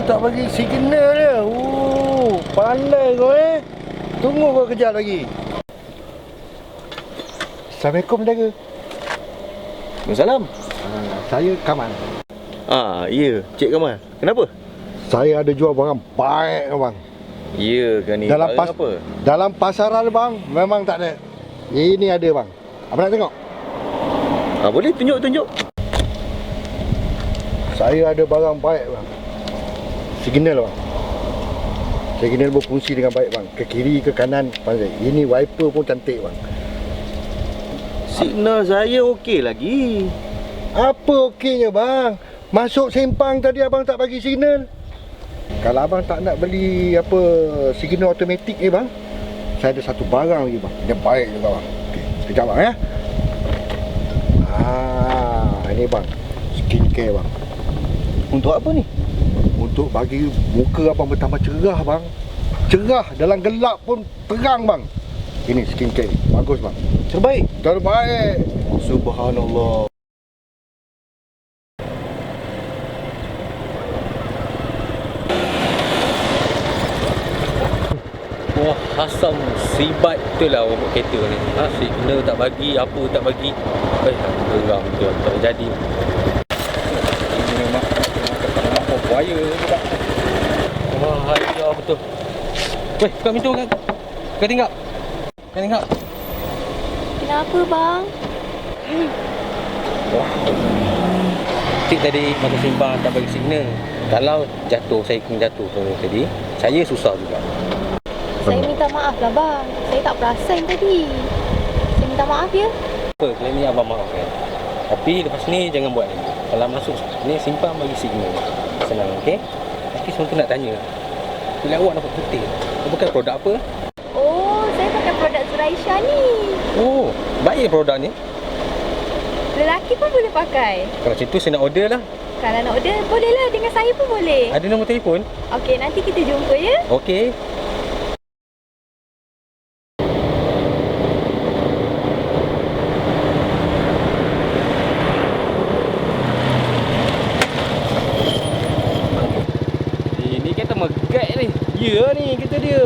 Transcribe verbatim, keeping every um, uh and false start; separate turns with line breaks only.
tak bagi signal dia. Uh, pandai kau eh. Tunggu kau kejap lagi. Assalamualaikum jaga.
Waalaikumsalam.
Uh, saya Kamal.
Ah, ya, Cik Kamal. Kenapa?
Saya ada jual barang baik bang.
Ya ke ni?
Dalam
Barang
pas
apa?
dalam pasaran bang, memang tak ada. Ini ada bang. Apa nak tengok?
Ah, boleh tunjuk-tunjuk.
Saya ada barang baik bang. Signal bang. Signal berfungsi dengan baik bang. Ke kiri ke kanan pandai. Ini wiper pun cantik bang.
Signal saya okey lagi.
Apa okeynya bang? Masuk sempang tadi abang tak bagi signal. Kalau abang tak nak beli apa signal automatik ni bang, saya ada satu barang lagi bang. Dia baik juga bang. Okey, sekejap bang ya. Ah, ini bang. Skincare bang.
Untuk apa ni?
Untuk bagi muka abang bertambah cerah bang. Cerah, dalam gelap pun terang bang. Ini skincare ni, bagus bang.
Terbaik.
Terbaik.
Subhanallah. Wah, Hassan sibat betul lah orang buat kereta ni. Ha, signal tak bagi, apa tak bagi. Eh, geram betul, tak jadi. Ini memang memang kau buaya juga. Wah, ya betul. Weh, buka pintu kan. Kau tinggal. Kau tinggal.
Kenapa bang?
Wah. Cik tadi masa sembang tak bagi signal. Kalau jatuh, saya kena jatuh tadi, saya susah juga.
Saya minta maaf lah bang. Saya tak perasan tadi. Saya minta maaf ya.
Apa, kali ni abang maafkan. Tapi lepas ni jangan buat lagi. Kalau masuk ni simpan bagi signal. Senang, okey? Tapi semua tu nak tanya. Kulit awak nampak putih. Kau pakai produk apa?
Oh, saya pakai produk Zuraisha ni.
Oh, baik produk ni.
Lelaki pun boleh pakai.
Kalau macam tu saya nak order lah.
Kalau nak order, boleh lah. Dengan saya pun boleh.
Ada nombor telefon?
Okey, nanti kita jumpa ya.
Okey. Ini kata megat ni. Ya ni kita dia.